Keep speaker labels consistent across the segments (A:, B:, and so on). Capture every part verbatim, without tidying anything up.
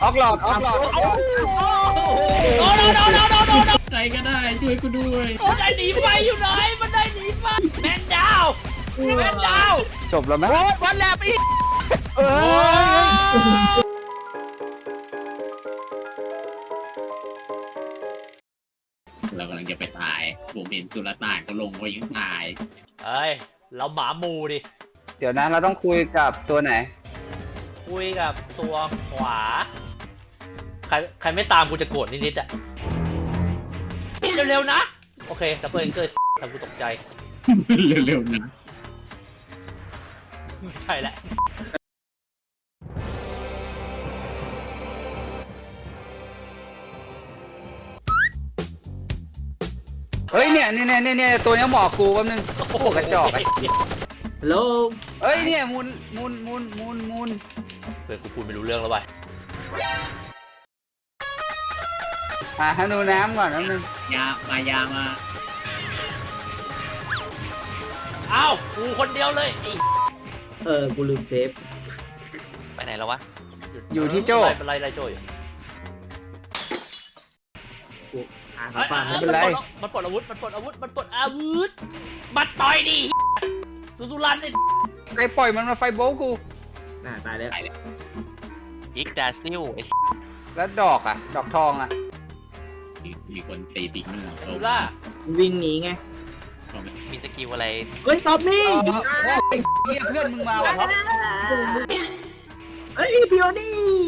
A: ออกหลอดออกหลอด
B: โอ้โนโนโนโนโนโน
C: ใครก็ได้ช่วยกูด้วย
B: มันได้หนีไฟอยู่ไหนมันได้หนีไฟแมนดาวแมนดาว
A: จบแล้วไหม
B: โอ้วันแลบอีก
A: เออ
C: เรากำลังจะไปตายผมเห็นสุลต่านก็ลงไว้ยังตาย
B: เฮ้ยเราหมาหมูดิ
A: เดี๋ยวนะเราต้องคุยกับตัวไหน
B: คุยกับตัวขวาใครใครไม่ตามกูจะโกรธนิดๆอะเร็วๆนะโอเคดับเบิลเกิดทำกูตกใจ
C: เร็วๆนะ
B: ใช่แหละ
A: เฮ้ยเนี่ยเนี่ยเนี่ยเนี่ยตัวเนี้ยหมอกกูแป๊บนึงโอ้โหกระจอกไอ้
D: ฮัลโหล
A: เฮ้ยเนี่ยมุนมุนมุนมุนมุน
B: เพื่อนกูพูดไม่รู้เรื่องแล้วว่ะ
A: อ่ะให้ดูน้ำก่อนแป๊บนึง
C: ยามายามา
B: อ้าวกูคนเดียวเลยไอ้
D: เออ กูลืมเซฟ
B: ไปไหนแล้ววะ
A: อยู่ที่โจ้
B: เป็นไรไรโจ้อยู่
D: กูอ่าน
B: เอ้ย
D: ฟัง
B: เอ้
D: ไม่
B: ย
D: เป็นไร
B: มันปลดอาวุธมันปลดอาวุธมันปลดอาวุธบัดต่อยดิสุสุรันไอ้
A: ใครปล่อยมันมาไฟโบลกู
D: น่าตายแล้ว
B: อีกดาซิลไอ้
A: แล้วดอกอ่ะ ดอกทองอ่ะ
C: มีมีคนตีติ๊กเนื้อ
B: สุล่า
D: วิ่งหนีไง
B: มีสกิลอะไร
D: เฮ้ย ตอบนี่
A: ไอ้เหี้ยเพื่อนมึงมาว่ะครับ
D: เฮ้ยพิโอนี่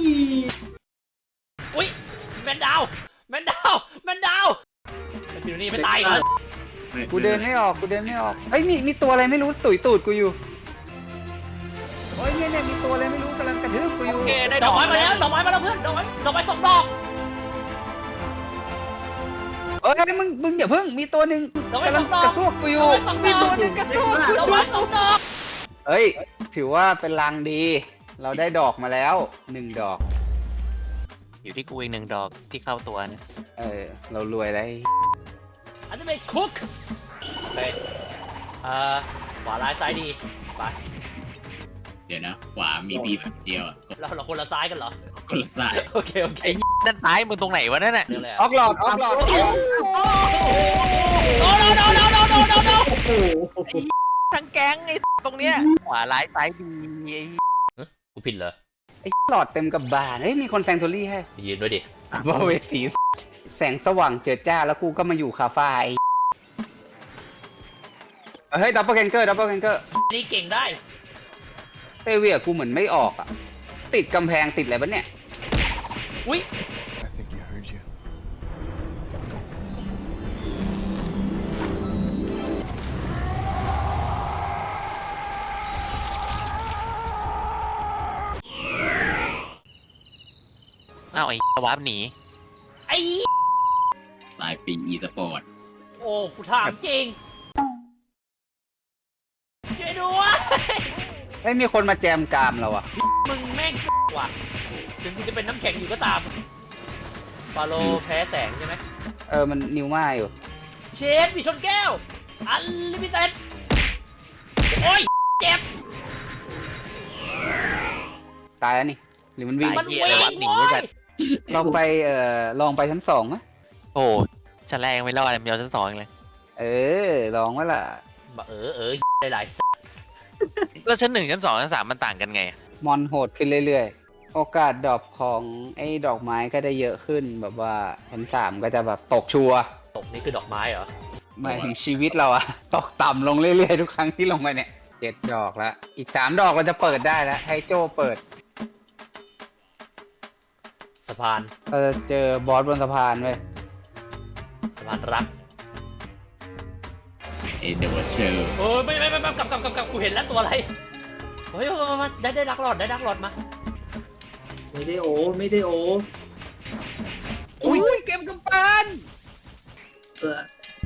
B: อุ้ยแมนดาวแมนดาวแมนดาวไอ้ปิวนี่ไม่ตายเหรอ
A: กูเดินไม่ออกกูเดินไม่ออกเฮ้ยมีมีตัวอะไรไม่รู้ตุ๋ยตูดกูอยู่โอ้ยเนี่ยเนี่ยมีตัวอะไรไม่รู้กำลังกระทืบกูอยู่
B: โอเคได้ดอกไม้มาแล้วดอกไม้มาแล้วเพื่อนดอกไม้ดอกไม้สองดอก
A: เอ้ยมึงมึงอย่าเพิ่งมีตัวหนึ่งกำลังกระซวกกูอยู่มีตัวหนึ่งกระซวกกู
B: ดอกไม้สองดอก
A: เฮ้ยถือว่าเป็นลางดี เราได้ดอกมาแล้วหนึ่งดอก
E: อยู่ที่กูอีกหนึ่งดอกที่เข้าตัวนะ
A: เออเรารวยแล้ว
B: อันนี้เป็นคุกไปเอ่อขวาร้ายซ้ายดีไป
C: เดี๋ยวนะขวามีพี่แบบเดียวอะ
B: เราเราคนละซ้ายกันเหรอ
C: คนละสาย
B: โอเคโอเค
E: ไอ้ด้านซ้ายมึงตรงไหนวะนั่นน่ะ
B: เร็วเลย
A: ออกหลอดออกหลอด
B: โนโนโนโนโนโนโนโน
D: โอ้โห
E: ทั้งแก๊งไอ้ตรงเนี้ยขวาร้ายซ้ายดีไอ้
B: กูผิดเหรอ
A: ไอ้หลอดเต็มกับบานเฮ้ยมีคนแซงโทรี่ให้
B: ยืนด้วยดิ
A: บาเวสีแสงสว่างเจิดจ้าแล้วกูก็มาอยู่คาเฟ่เฮ้ยดับเบิลแคนเกอร์ดับเบิลแคนเกอร์
B: นี่เก่งได้
A: เตเวียกูเหมือนไม่ออกอ่ะติดกำแพงติดอะไรบ้เนี่ย
B: อุ้ย
F: I think he heard you.
E: อ้าวไอ้วาร์ปหนี
B: ไอ้
C: ตายปีอีสปอร์ต
B: โอ้กูถามจริงช่วยด้วย
A: ไม่มีคนมาแจมกามเราอ่ะ
B: มึงแม่งว่ะถึงกูจะเป็นน้ำแข็งอยู่ก็ตามฟาโลแพ้แสงใช่ไหม
A: เออมันนิวมาอยู่
B: เชฟมีชนแก้วอันลิมิเต็ดโอ้ยเจ็บ
A: ตายแล้วนี่หรือมันวิ่ง
B: มัน
E: เหี้ย
B: วิ่
E: เลย
B: ง
E: วาร์ปหนี
B: โว้
E: ด้วย
B: ย
E: กัน
A: ลองไปเอ่อลองไปชั้นสองไหม
E: โอ้ชั้นแรกยังไม่รอดเลยมีเอาชั้นสองอีกเลย
A: เออลองว่าล่ะ
B: เออเออหลาย
E: แล้วชั้นหนึ่งชั้นสองชั้นสามมันต่างกันไง
A: มอนโหดขึ้นเรื่อยๆ โอกาสดรอปของไอ้ดอกไม้ก็ได้เยอะขึ้นแบบว่าชั้นสามก็จะแบบตกชัวร์
B: ๆตกนี่คือดอกไม้เหรอ
A: หมายถึงชีวิตเราอะ ตกต่ำลงเรื่อยๆทุกครั้งที่ลงไปเนี่ยเจ็ดดอกแล้วอีกสามดอกเราจะเปิดได้แล้วให้โจเปิด
B: สะพาน
A: เราจะเจอบอสบนสะพานเว้ย
B: สะพานรัก
C: เอเดวอร์เชอร์
B: เออไม่ไม่ไม่ไม่กลับกลับกลับกลับกูเห็นแล้วตัวอะไรเฮ้ยมามามาได้ได้ดักหลอดได้ดักหลอดมา
D: ไม่ได้โอ ไม่ได้โอ
A: อุ้ยเก็บกำปั้น
D: เออ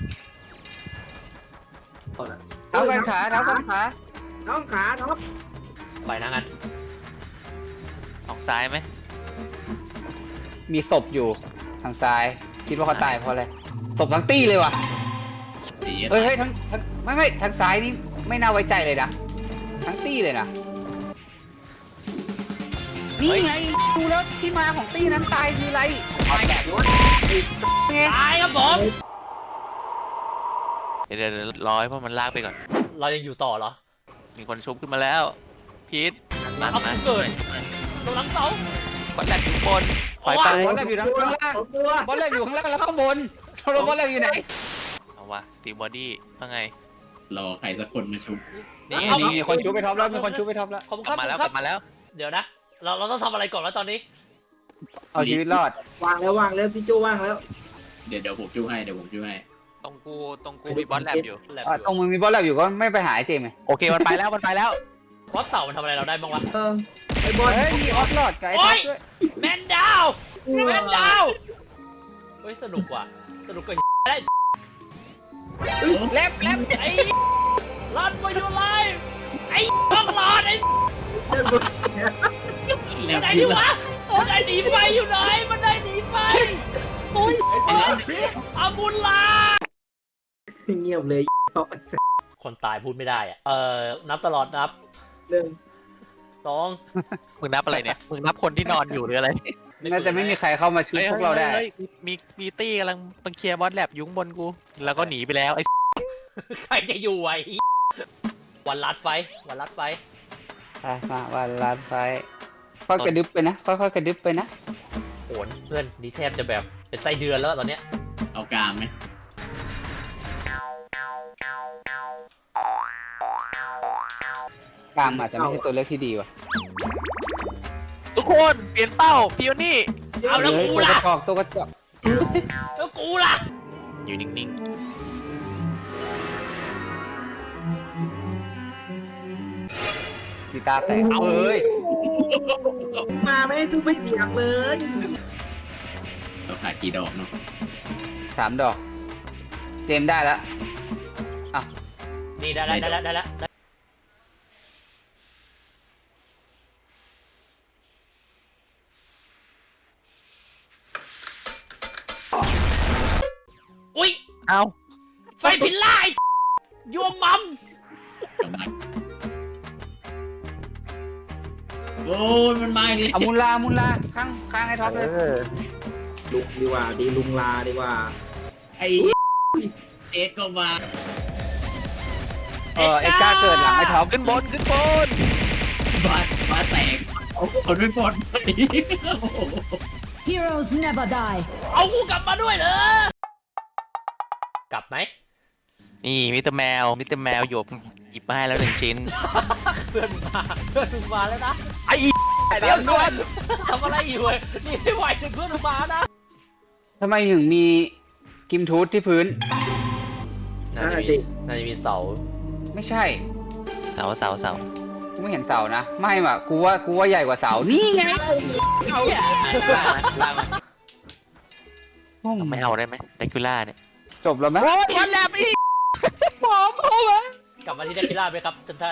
D: เอาละ
A: เท้ากันขาเท้ากันขา
D: น้องขาท็อป
B: ไปนะงั้น
E: ออกซ้ายไหม
A: มีศพอยู่ทางซ้าย คิดว่าเขาตายเพราะอะไรศพทั้งตี้เลยว่ะ
C: สี
A: เฮ้ยเฮ้ยทั้งทั้งไม่ไม่ทางซ้ายนี่ไม่น่าไว้ใจเลยนะทั้งตี้เลยนะนี่ไงดูแล้วที่มาของตี้นั้นตายคืออะไร
D: ไปแบบนู้นไอ้
A: ไง
B: ตายครับผม
E: เดี๋ยวเดี๋ยวเดี๋ยวรอให้พวกมันลากไปก่อน
B: เรายังอยู่ต่อเหรอ
E: มีคนชุบขึ้นมาแล้วพีทนั่น
B: เอา
E: นะ
B: เกิดตรงหลังเสา
E: บอลแลบอยู่บนปล่อยไป
A: บอลแลบอยู่ข้างล่าง
D: สองตัว
A: บอลแลบอยู่ข้างล่างแล้วข้างบนเราบอลแลบอยู่ไหน
E: เอาวะสตีบอดี้ว่าไง
C: รอใครสักคนมาชุบ
E: นี่
B: เอา
E: นี่
A: มีคนชูไปท็อปแล้วมีคนชูไปท็อปแล้ว
B: ขอบคุณ
E: ก
B: ค
E: ลั
B: รั
E: บบ มาแล้ว
B: ข
E: ก
B: อบ
E: ลับ
B: คุณครับ
E: มาแล้ว
B: เดี๋ยวนะ เราเราต้องทำอะไรก่อนแล้วตอนนี้
A: เอาชีวิตรอด
D: วางแล้ววางแล้วพี่โจวางแล้ว
C: เดี๋ยวเดี๋ยวผมช่วยให้เดี๋ยวผมช่วยให้
E: ตรงกูตรงกูมีบอลแลบอยู่
B: แลบ
A: อ่ะ
B: อยู่
A: ตรงมึงมีบอลแลบอยู่ก็ไม่ไปหาไอ้เจมส์ไง
E: โอเคมันไปแล้วมันไปแล้ว
B: บอสเต่ามันทำอะไรเราได้บ้างวะ
D: เออไอ้บอล
A: เฮ้ยมีออฟลอดกับไอ้ท็อปด้วย
B: แมนดาวแมนดาวเฮ้ยสนุกว่ะสนุกกว่าได้
A: แลบแลบ
B: ไอ้รันมาอยู่ไลฟ์ไอ้ต้องรอดไอ้
C: แล้ว
B: ไหน
C: คื
B: ดิ
C: อ
B: วะมันได้หนีไฟอยู่ไหนมันได้หนีไฟโอ้ยอาบุลลา
D: เงียบเลยท็อป
B: คนตายพูดไม่ได้อะเอ่อนับตลอดนับ
D: หนึ่ง
B: สอง
E: มึงนับอะไรเนี่ยมึงนับคนที่นอนอยู่หรืออะไร
A: น่าจะไม่มีใครเข้ามาช่วยพวกเราได้
E: ฮ้ยฮ้ยมีมีตี้กำลังมันเคลียร์บอลแลบอยู่ข้างบนกู แล้วก็หนีไปแล้วไอ้
B: ใครจะอยู่ไอ้วันลัดไฟวันลัดไฟ
A: ไปมาวันลานไฟค่อยกระดึบไปนะค่อยๆกระดึบไปนะ
B: โหนเพื่อนนี่แทบจะแบบเป็นไส้เดือนแล้วตอนเนี้ย
C: เอากลางไหม
A: กลางอาจจะไม่ใช่ตัวเลือกที่ดีว่ะ
E: ทุกคนเปลี่ยนเป้าพิโอนี่
B: เอาแล้ว
A: เฮ้ย
B: กู
A: ตัวก
B: ล่ะ
A: ระจอกตัวกระจอก
B: แล้วกูล่ะ
E: อยู่นิ่ง
A: กีตาร์แตกเอ้ย
D: มาไม่ให้ทุกไม่เสียงเลย
C: เราขาดกี่ดอกเนาะ
A: สามดอก เจมส์ได้แล้ว
B: นี่ได้แล้วได้แล้วได้แล้วได้อุ้ย
E: ๆ เอา
B: ไฟพิลล่าไอ้ยวงมัม
C: กลับมาโอ้ยมันมาดิ
A: เอามุลลามุลลาข้างข้างไอ้ท็อปเลย
D: ลุงดีกว่าดีลุงลาดีกว่า
C: ไอ้เอ็ดก็มา
A: เออเอ็กซ์ก้าเกิดหลังไอ้ท็อป
E: ขึ้นบนขึ้นบน
C: บาดบาดแตกคนไม่ปลอดภัย
G: Heroes never die.
B: เอากูกลับมาด้วยเหรอกลับไหม
E: นี่มิสเตอร์แมวมิสเตอร์แมวหยบหยิบมาให้แล้วหนึ่งชิ้น
B: เพื่อนมึงมาเพื่อนมึงมาแล้วนะ
E: ไอ้เดี๋ยวด่วน
B: ทำอะไรอยู่เว้ยนี่ไม่ไหวถึงเพื่อนมึงมานะ
A: ทำไมถึงมีกิมทูธที่พื้น
B: น่าจะมีน่าจะมีเสา
A: ไม่ใช่
E: เสาเสาเสา
A: กูไม่เห็นเสานะ ไม่ว่ะกูว่ากูว่าใหญ่กว่าเสา นี่ไง
E: เอา ล่างมาไม่เอาได้ไหมไดคิล่าเนี่ย
A: จบแล้วไหม
E: โอ้ยบอลแลบอีก
A: หอมเข้ามาก
B: ลับมาที่เดคิล่าไหมครับท่านท่าน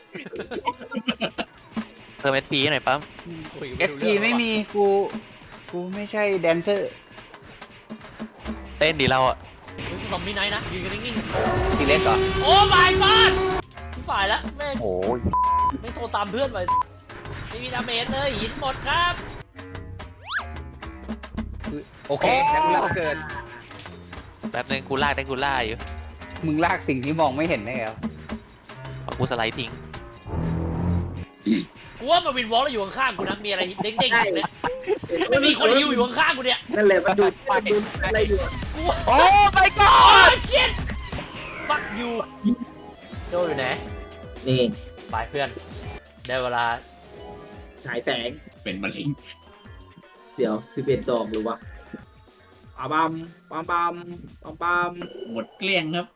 E: เพิ่มเอสพีหน่อยปั๊ม
B: คุย
A: เอสพีไม่มีกู กูไม่ใช่แดนเซอร์
E: เต้นดีเราอ่ะ
B: รู้สึกซอมบี้ไนท์นะยืนกันนิ่ง
A: ทีเล็กเหรอ
B: ๆโอ้ my god ที่ฝ่ายแล้วแม่ง
E: โอ้ย
B: ไม่โทรตามเพื่อนไปไม่มีดาเมจเลยหินหมดครับ
A: คือโอเคแล้วกูลากเกิน
E: แป๊บนึงกูลากได้กูล่าอยู่
A: มึงลากสิ่งที่มองไม่เห็นได้แล้ว
E: เอากูสไลด์ทิ้ง
B: กูว่ามาวินวอล์กแล้วอยู่ข้างๆกูนะมีอะไรเด้งๆอยู่เนี่ยไม่มีคนฮิวอยู่ข้างๆกูเนี่ย
D: นั่นแหละมันดูมันดูอะไรอยู่
B: กูว่า
E: โอ้ไปก่อ
B: โอ้
E: น
B: ยชิต fuck you โจอยู่ไหน
D: นี่
B: ไปเพื่อนได้เวลา
D: ฉายแสง
C: เป็นมะเร็ง
D: เดี๋ยวสิบเอ็ดดอกหรือวะปั๊มปั๊มปั๊มปั๊มปั๊มปั๊ม
C: หมดเกลี้ยงครับ